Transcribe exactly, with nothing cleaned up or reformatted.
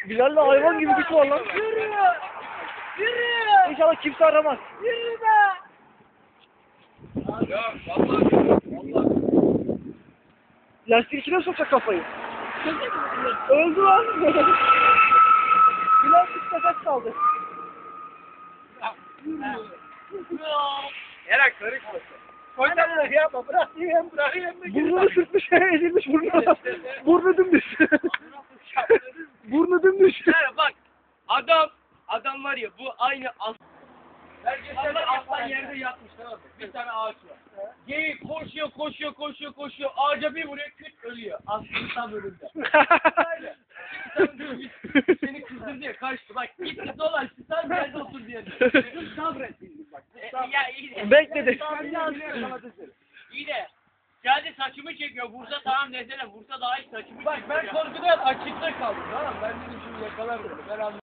Bilal'le hayvan gibi güç var lan. Yürü! Yürü! İnşallah kimse aramaz. Yürü be! Ya vallahi vallahi. Lastik içine sokacak kafayı. Öldü lan. Bilal bir nefes kaldı. Eren karışmasın. Koydan yapma bırak yiyeyim bırak yiyeyim. Burnunu sürtmüş, ezilmiş burnuna. Burnu dümdüz. Burnu dümdüz. Yani bak adam adam var ya bu aynı as. Allah aslan yerde yatmış tamam mı? Bir tane ağaç var. Geyik koşuyor koşuyor koşuyor koşuyor ağaca bir vuruyor küt ölüyor. Aslan tam önünde. Öyle. Seni kızdırdı ya kaçtı bak gitti dolaştı sen geldi otur diye. Sabrettin bak. Ya iyi de. Bekledi. İyi de. Geldi saçımı çekiyor. Vursa tamam desene. Vursa daha iyi saçımı Bak ben korkudan açıkta kaldım. Tamam ben dedim şimdi yakalar bunu. Ben anladım.